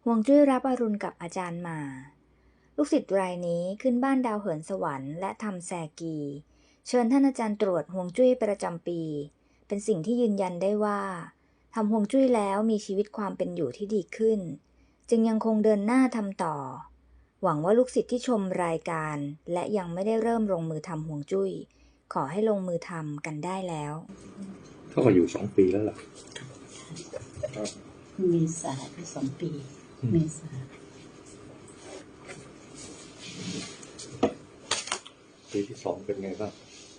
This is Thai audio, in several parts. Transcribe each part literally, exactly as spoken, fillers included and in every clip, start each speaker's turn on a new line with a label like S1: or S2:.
S1: ฮวงจุ้ยรับอรุณกับอาจารย์หม่าลูกศิษย์รายนี้ขึ้นบ้านดาวเหินสวรรค์และทำแซกีเชิญท่านอาจารย์ตรวจฮวงจุ้ยประจำปีเป็นสิ่งที่ยืนยันได้ว่าทำฮวงจุ้ยแล้วมีชีวิตความเป็นอยู่ที่ดีขึ้นจึงยังคงเดินหน้าทำต่อหวังว่าลูกศิษย์ที่ชมรายการและยังไม่ได้เริ่มลงมือทำฮวงจุ้ยขอให้ลงมือทำกันได้แล้ว
S2: เท่ากับอยู่สองปีแล้วล่ะ
S3: เมษาที่สองปีเมษา
S2: ปีที่สองเป็นไงบ้าง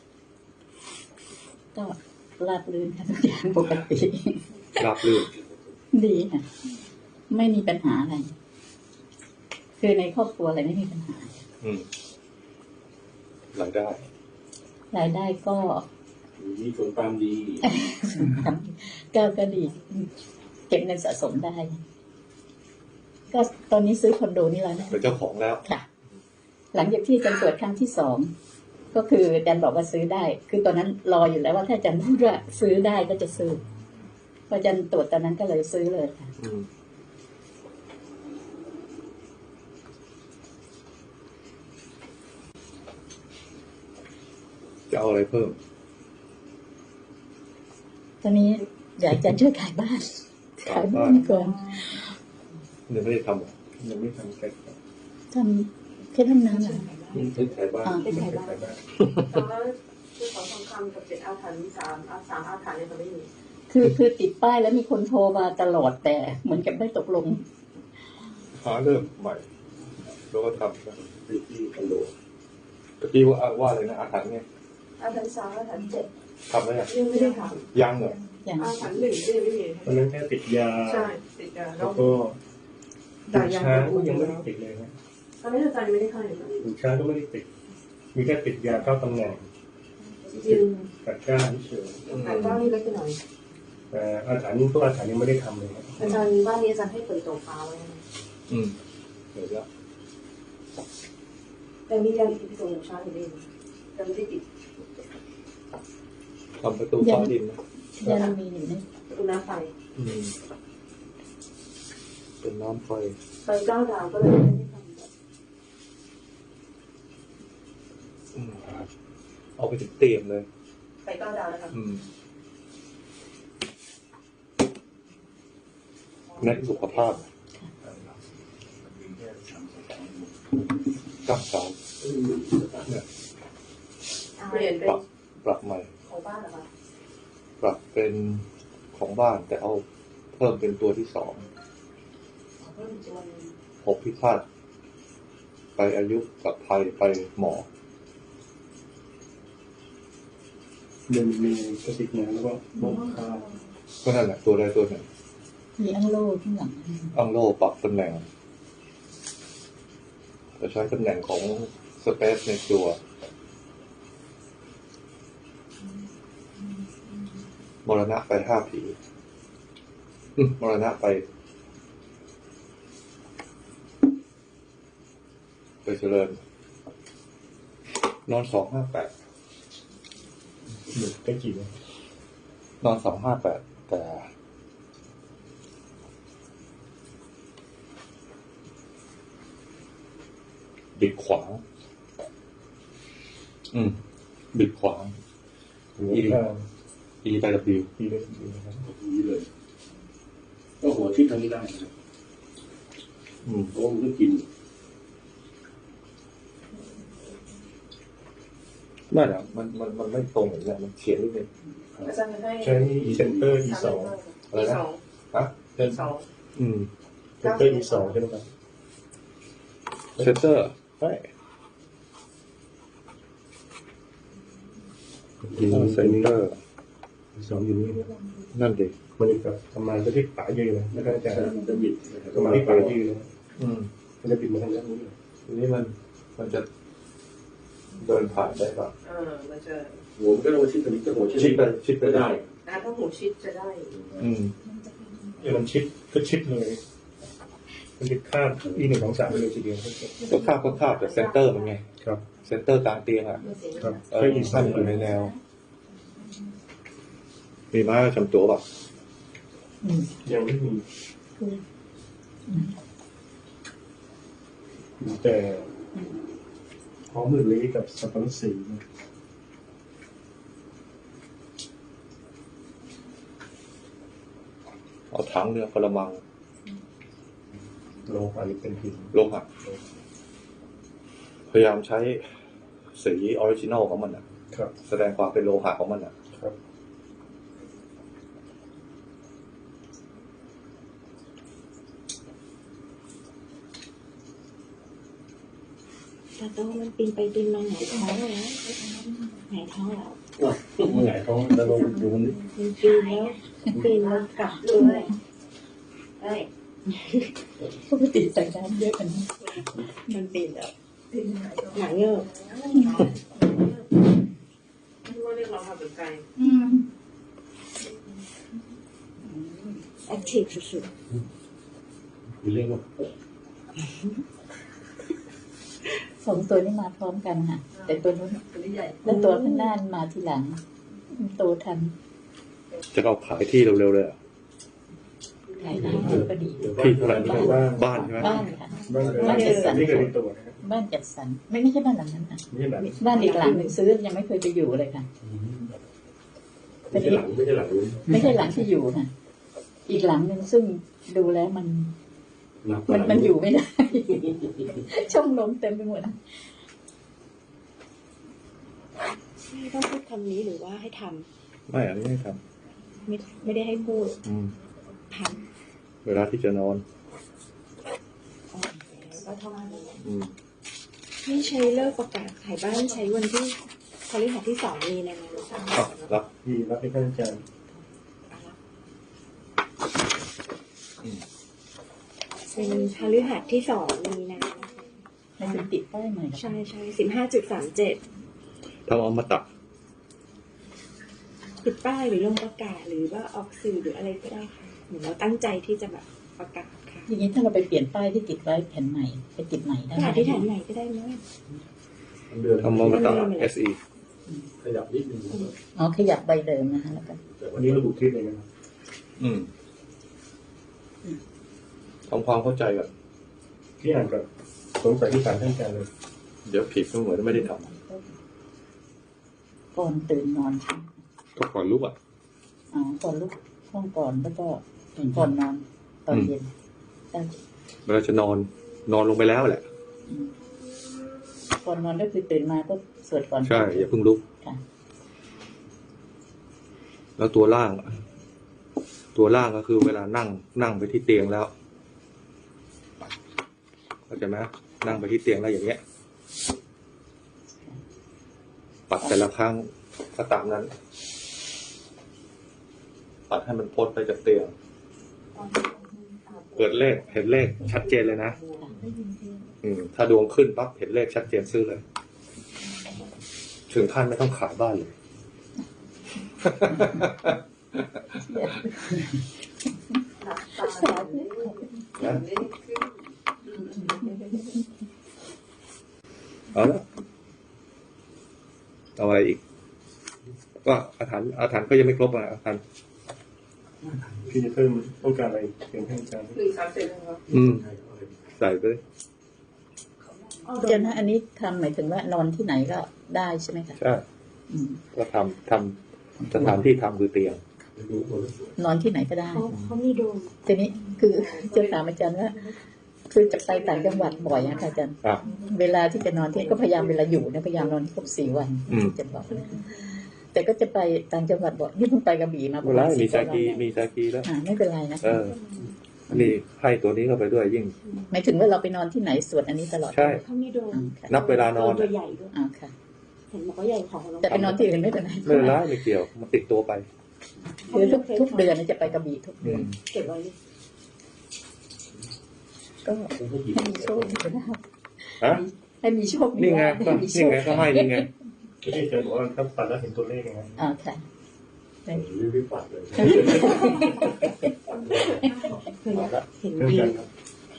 S3: ก็ราบรื่นค่ะทุกอย่างปกติ
S2: ราบรื่น
S3: ดีค่ะไม่มีปัญหาอะไรคือในครอบครัวอะไรไม่มีปัญหา
S2: อืมรายได้
S3: รายได้ก็
S4: มีผลตามดี
S3: ก็ก็ดีเก็บเงินสะสมได้ก็ตอนนี้ซื้อคอนโดนี่แล้วนะ
S2: เป็นเจ้าของแล้ว
S3: ค่ะหลังจากที่จันตรวจครั้งที่สองก็คือจันบอกว่าซื้อได้คือตอนนั้นรออยู่แล้วว่าถ้าจันพูดว่าซื้อได้ก็จะซื้อพอจันตรวจตอนนั้นก็เลยซื้อเลยค่ะ
S2: จะเอาอะไรเพิ่ม
S3: ตอนนี้อยากจะช่วยขายบ้านขายบ้านก่อน
S2: ยังไม่ได้ทำ
S4: ยังไม่ทำแค่
S3: ทำแค่ทำน้ำเหรอ
S4: ซื้อขายบ้าน
S3: ซื้อขายบ้าน
S5: แต่ว่าคือของทองคำกับเจ็ดอาถรรพ์สามสามอาถรรพ์เนี่ยเขาไม่มี
S3: คือคือติดป้ายแล้วมีคนโทรมาตลอดแต่เหมือนกับไม่ตกลง
S2: หาเริ่มใหม่แล้วก็ทำนะ
S4: ที่ที่คอนโด
S2: ตะกี้ว่าว่าอะไรนะอาถรรพ์เนี่ย
S5: อาถรรพ์สามอาถรรพ์เจ็ด
S2: ทำแล้วยัง
S5: ยังไม่ได้ท
S2: ำยังเหรอ
S5: อาถรรพ์หนึ่งก็ยังไม่มี
S4: ตอนนั้นแค่ติดยา
S5: ใช่ติดยา
S4: แล้วก็ดูช้างก็ยังไม่ได้ติดเลยนะ
S5: ตอนนี้อาจารย์ไม่ได้เข้าเลย
S4: ดูช้างก็ไม่ได้ติดมีแค่ติดยาเข้าตำแหน่ง
S5: จริง
S4: กัดก้านเฉย
S5: กัดก้านนี่เล็กหน่อย
S4: แต่อาถรรพ์นี้พวกอาถรรพ์นี้ไม่ได้ทำเลย
S5: อาจารย์บ้านนี้อาจารย์ให้เปิดตัวฟ้าไว้
S2: อืมเดี๋ยวแล้ว
S5: แต่มียังติดตัวช้างอยู่ดีแต่ไม่ได้ติด
S2: ทำประตูฟ้าดินนะ
S3: ยังมีอยู่นี่
S5: ประตูน้ำไฟ
S2: อืมเป็นน้ำไฟ
S5: ไฟเก้าดาวก็เลยไม่ได้ทำ
S2: เอาไปถึงเตียมเลย
S5: ไฟเก้าดาวนะครับ
S2: เน้นสุขภาพก้าวสาวเนี่ย
S5: เปลี่ยนเป็น
S2: ปรับใหม่
S5: ของบ้านเหรอคะ
S2: ปรับเป็นของบ้านแต่เอาเพิ่มเป็นตัวที่สองหกพิฆาตไปอายุกับภัยไปหมอ
S4: เดินมีกระติกน้ำแล้วก็มองข้าว
S2: ก็นั่นแหละตัวใดตัวหนึ่ง
S3: มีอังโล่ข้างหลัง
S2: อังโล่ปรับตำแหน่งจะใช้ตำแหน่งของสเปซในตัวมรณะไปห้าผีมรณะไปไปเจริญนอนสองห้าแปด
S4: หนึ่งได้กี่วัน
S2: นอนสองห้าแปดแต่บิดขวางอืมบิดขวาง
S4: อีก
S2: อีไปกับบิว
S4: อีได้บิวนะครับอีเลยก็หัวทิศทางนี้ได้นะครับอืมโอ้มันก็กิน
S2: ไม่หรอกมันมันมันไม่ตรงอย่างนี้มันเฉียดนิดนึง
S5: อาจารย์ให้
S4: ใช้เซนเตอร์ อี สอง
S2: อะไรนะฮะ
S5: เซนสอง
S4: อืมเซนเตอร์ อี สองใช่ไหมครับ
S2: เซนเตอร์
S4: ใช่
S2: เซนเตอร์
S4: สองอยู่นี่
S2: นั่นดิ
S4: มันจะทำงานก็ที่ป่ายืนนะแล้วก็จะจะบิดทำงานที่ป่ายืนนะ
S2: อืม
S4: มันจะบิดมาทางด้านนี้
S2: ทีนี้มันมันจะเดินผ่านได้ป่ะ
S5: เออมันจะ
S4: หัวมันก็ต้องชิดตรงนี้ก็หัว
S2: ชิดไปชิดไปได้
S5: นะถ้าหัวชิดจะได้
S2: อืม
S4: เนี่ยมันชิดก็ชิดเลยมันจะคาบอีหนึ่งสองสามไปเลยทีเดียว
S2: ก็คาบก็คาบแต่เซนเตอร์มันไง
S4: ครับ
S2: เซนเตอร์กลางเตียงอ่ะ
S4: ครับ
S2: เออสั้นอยู่ในแนวมีม้าจำตัวป่ะ
S4: ยังไม่มี
S6: แต่ของมือลีกับสับปะรดสีนะ
S2: เอาถังเนี่ยกระมัง
S6: โลหะหรือเป็นหิน
S2: โลหะพยายามใช้สีออริจินอลของมันอ่ะ
S6: ครับ
S2: แสดงความเป็นโลหะของมันอ่ะ
S6: ครับ
S7: ตาโตมันปีนไปปีนมาหงายท้องแล้วหงายท้องแล้ว
S6: เมื่อไหร่เขาจะลงอยู่มัน
S7: มันปีนแล้วปีนแล้วกลับด้วยเอ้ย
S3: ปกติใส่น้ำเยอะกัน
S7: มันปีนแล้วหนังเงือก
S5: ที่ว่าเรียกเราทำเป็นไก่
S7: แอคทีฟสุด
S4: มีเรื่องว่า
S3: สองตัวนี้มาพร้อมกันค่ะ แต่ตัวนู้นแล้วตัวข้างหน้ามาทีหลังโตทัน
S2: จะเอาขายที่เร็วๆเลยอ่ะ
S3: ขายได้ก็ดี
S2: ที่เท่าไหร่นะ
S6: บ้าน
S2: บ้านใช่ไหม
S3: บ้านค่ะ
S6: บ้าน
S3: บ้านจัดสรร
S6: นี่ก็มีตัวนะครับ
S3: บ้านจัดสรรไม่ไม่ใช่บ้านหลังนั้นค่ะ
S6: นี่แหละ
S3: บ้านอีกหลังหนึ่งซื้อยังไม่เคยไปอยู่เลยค่ะ
S4: ไม่ใช่หลังไม่ใช่หลังนู้น
S3: ไม่ใช่หลังที่อยู่นะอีกหลังหนึ่งซึ่งดูแล้วมัน มันมันอยู่ไม่ได้ ช่องลมเต็มไปหมดนะ
S7: ๆไม่ต้องพูดคำนี้หรือว่าให้ท
S2: ไม่อันนี้ไม่ท
S7: ำไม่ไม่ได้ให้พูด
S2: ำอืม
S7: ท
S2: เวลาที่จะนอน
S7: ำอ๋อก็เท่านั้น
S2: อืม
S7: ไม่ใช้เลิกประกาศขายบ้านใช้วันที่พฤหัสที่สองมีนาคม
S2: อ่ะรับ
S6: ที่รับให้ท่านอาจารย์
S7: เป็นพฤหัสที่สองมีนาคม
S3: ให้เป็นติดป้ายใหม่
S7: ใช่ใช่สิบห้าจุดสามเจ็ด
S2: ทำเอามาตัด
S7: ติดป้ายหรือลงประกาศหรือว่าออกสื่อหรืออะไรก็ได้ค่ะเหมือนเราตั้งใจที่จะแบบประกาศค่ะ
S3: อย่างนี้ถ้าเราไปเปลี่ยนป้ายที่ติดไว้แผ่นใหม่ไปติดใหม่ได้
S7: ประกาศที่แถนไหนก็ได้ไหม
S4: เดือน
S2: ทำเอามาตัด เอส อี
S4: ขยับนิดนึง
S3: อ๋อขยับใบเดิมนะคะแล้วก็
S4: แต่
S6: วั
S4: วัน น
S6: นี้
S4: นี้
S6: ระบุที่เลยนะครับ
S2: อืมทำความเข้าใจก่อน
S6: ที่อ่านกับสงสัยที่ถามท่านอาจารย์เลย
S2: เดี๋ยวผิดก็เหมือนไม่ได้ท
S3: ก่อนตื่นนอนใช่ไหม
S2: ำก็ก่อนลุกอ่ะ
S3: อ๋อก่อนลุกห้องก่อนแล้วก็ก่อนนอนตอนเย็นได้
S2: เวลาจะนอน นอนลงไปแล้วแหละ
S3: อืมก่อนนอนก็คือตื่นมาก็สวดก่อน
S2: ใช่ อย่าเพิ่งลุก
S3: ค่ะ
S2: แล้วตัวล่างอะตัวล่างก็คือเวลานั่ง นั่งไปที่เตียงแล้วเข้าใจไหมนั่งไปที่เตียงแล้วอย่างเงี้ย ปัดแต่ละครั้งก็ตามนั้น ปัดให้มันพ้นไปจากเตียง เกิดเลขเห็นเลขชัดเจนเลยนะ อืม ถ้าดวงขึ้นปั๊บเห็นเลขชัดเจนซื้อเลย ถึงขั้นไม่ต้องขายบ้านเลย
S3: สาธุ
S2: นะเอาละเอาอะไรอีก ก็อาถรรพ์อาถรรพ์ก็ยังไม่ครบอ่ะอาถรรพ์
S6: พี่จะเพิ่มต้องการอะไรเพียงให้อาจารย์
S5: หรือสามเจ็ดนะครับ
S2: อืม ใส่ไปเลย
S3: เดี๋ยวนะอันนี้ทำหมายถึงว่านอนที่ไหนก็ได้ใช่ไหมคะ
S2: ใช่
S3: อืม
S2: ก็ทำทำสถานที่ทำคือเตียง
S3: นอนที่ไหนก็ได้
S7: เขาเขามีโดม
S3: ทีนี้คือจะถามอาจารย์ว่า คือจะไปต่างจังหวัดบ่อยอะค่ะอาจารย์
S2: ครับ
S3: เวลาที่จะนอนที่ก็พยายามเวลาอยู่เนี่ยพยายามนอนครบสี่วัน
S2: อืม
S3: จะบอกนะแต่ก็จะไปต่างจังหวัดบ่อยนี่เพิ่งไปกระบี่มาป
S2: เว
S3: ระ
S2: ลา
S3: มาณ
S2: มี
S3: สิบ
S2: ซา
S3: วัน
S2: กีมีซากีแล้ว
S3: อ่าไม่เป็นไรนะ
S2: เออ นี่ให้ตัวนี้เข้าไปด้วยยิ่ง
S3: หมายถึงว่าเราไปนอนที่ไหนสวดอันนี้ตลอด
S2: ใช่
S7: เขามีโดม
S3: อ่าค่ะ
S2: นับเวลานอน
S7: ตัวใหญ่ด้วย
S3: อ่าค่ะ
S7: เห็นบอกว่าใหญ่ของเรา
S3: แต่ไปนอนที่อื่นไม่เป็นไร
S2: ไม่เป็นไรไม่เกี่ยว มันติดตัวไป
S3: คือทุกทุกเดือนจะไปกระบี่ทุก
S2: อื
S3: เดือน
S2: ม
S7: เก็บไว้
S3: ก็ให้มีโชคดีนะครับ
S2: ฮะ
S3: ให้มีโชคดี
S2: นี่ไงก็
S3: ให้มีโช
S2: นี่
S3: ค
S2: ไงก็ให้นี่ไง
S6: ที่อาจารย์บอกว่าถ้าปัดแล้วเห็นตัวเลขยังไง
S3: อ่าค่ะ
S4: รีบปัดเลย
S7: เคยเห็น
S6: เรื่อง
S7: ดี
S6: การครับ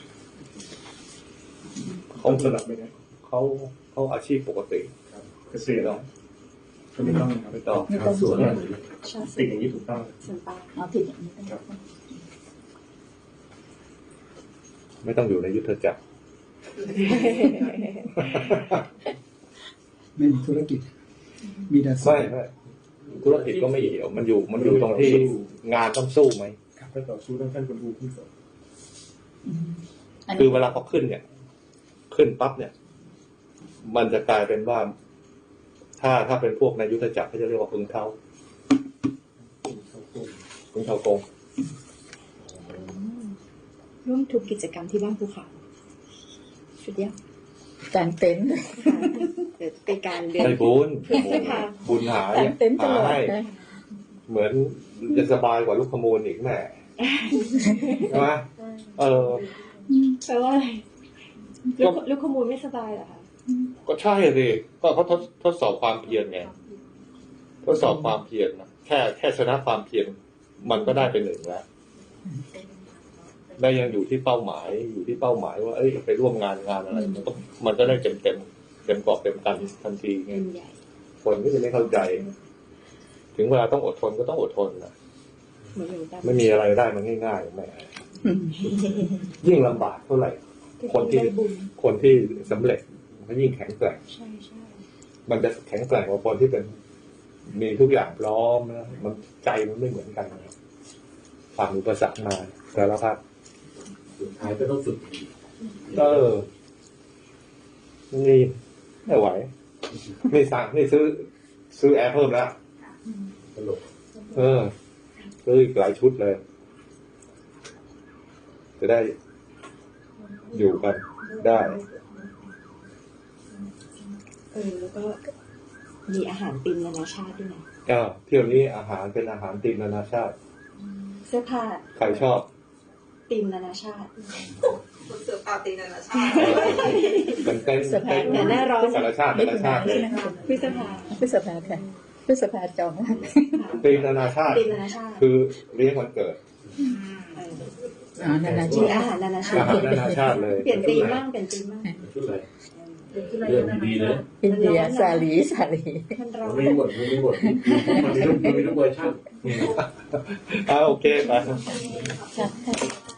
S2: เขา
S6: ต้องสลับไหมครับ
S2: เขาเขาอาชีพปกติ
S6: เกษตรเราก็ไม่ต้องครับ
S2: ไม่ต้อง
S3: ไม่ต้อง
S6: สวน
S7: ชอบ
S6: ติดอย่างนี้ถูกต้อง
S7: ส่วนปลา
S3: เอาผิดอย่างนี้ก็ได้
S2: ไม่ต้องอยู่ในยุทธจักร
S6: ไม่มีธุรกิจ มีแต่
S2: ไม่ไม่ธุรกิจก็ไม่เหี่ยวมันอยู่มันอยู่ตรงที่งานต้องสู้ไหม
S6: ขับไปต่อสู้ต้องท่านคนดูขึ้นก่อน
S2: คือเวลาเขาขึ้นเนี่ย ขึ้นปั๊บเนี่ย มันจะกลายเป็นว่า ถ้าถ้าเป็นพวกในยุทธจักรเขาจะเรียกว่าพึงเท้าพึงเท้าโกง
S7: ร่วมทุกกิจกรรมที่บ้านภูเขาสุดยอด
S3: กางเต็นท์
S7: ค่ะเดี๋ยวเป็นการเดิน
S2: ได้บุญ
S7: เพื่อเสื้อผ้า
S2: บุญหาก
S3: างเต็นท์ตลอด
S2: ให้
S3: นะ
S2: เหมือนจะสบายกว่าลูกขมูลอีกแม่ใช่ไหมเออ
S7: แปลว่าอะไรลูกลูกขโมยไม่สบายเหรอคะ
S2: ก็ใช่สิก็เขาทดทดสอบความเพียรไงทดสอบความเพียรนะแค่แค่ชนะความเพียรมันก็ได้เป็นหนึ่งแล้วได้ยังอยู่ที่เป้าหมายอยู่ที่เป้าหมายว่าเอ้ยไปร่วมงานงานอะไรมันก็มันก็ได้เต็มเต็มเต็มกรอบเต็มกันทันทีไง
S7: เป็นใหญ่
S2: คนก็จะไม่เข้าใจ ถึงเวลาต้องอดทนก็ต้องอดทนนะ
S7: เหมือนหลวงตา
S2: ไม่มีอะไรได้มันง่ายๆแม่ยิ่งลำบากเท่าไหร่ คนที่
S7: ได้บุญ
S2: คนที่สำเร็จมันยิ่งแข็งแกร่ง
S7: ใช่ใช่
S2: มันจะแข็งแกร่งกว่าคนที่เป็นมีทุกอย่างพร้อมนะมันใจมันไม่เหมือนกันนะผ่านอุปสรรคมาแต่ละครับ
S4: สุดท้ายก็ต้องฝึก
S2: เออนี่ไม่ไหวนี่สั่งนี่ซื้อ ซื้อแอร์เพิ่มแล้ว
S4: ตลก
S2: เออซื้ออีกหลายชุดเลย จะได้อยู่กันได้
S7: เออแล้วก็มีอาหารติมนานาชาติด้วยนะ
S2: ก็เที่ยวนี้อาหารเป็นอาหารตีมนานาชาติ
S7: เสื้อผ้า
S2: ใครชอบ
S7: ติมนานาชาติ
S5: คนเสือปาตีนานาชาติ
S2: เป็นเต้น
S3: สภา
S2: เต้น
S7: หน้าร้อน
S2: นานาชาตินานาชาติเลย
S7: พฤษภา
S3: พฤษภาค่ะพฤษภาจองแล้ว
S2: ตีมนานาชาติ
S7: ติมนานาชาติ
S2: คือเลี้ยงวันเกิด
S7: เออ
S3: อ๋อนานา
S7: มี
S3: ชา
S7: อา
S3: ติ
S7: หารนานาชา
S2: อา
S7: ติ
S2: หารนานาชาติเลย
S7: เปลี่ยนตีมบ้างเปลี่ยนตีมบ้าง
S4: ชุดอะไรเรื่องดีๆนะ
S3: อินเดียสาลีสาลี
S7: มันร้อน
S4: ไม่หมดไม่หมดมันมีทุกมันมีทุกเวอร์ชัน
S2: อ่าโอเคไป
S3: ค่ะ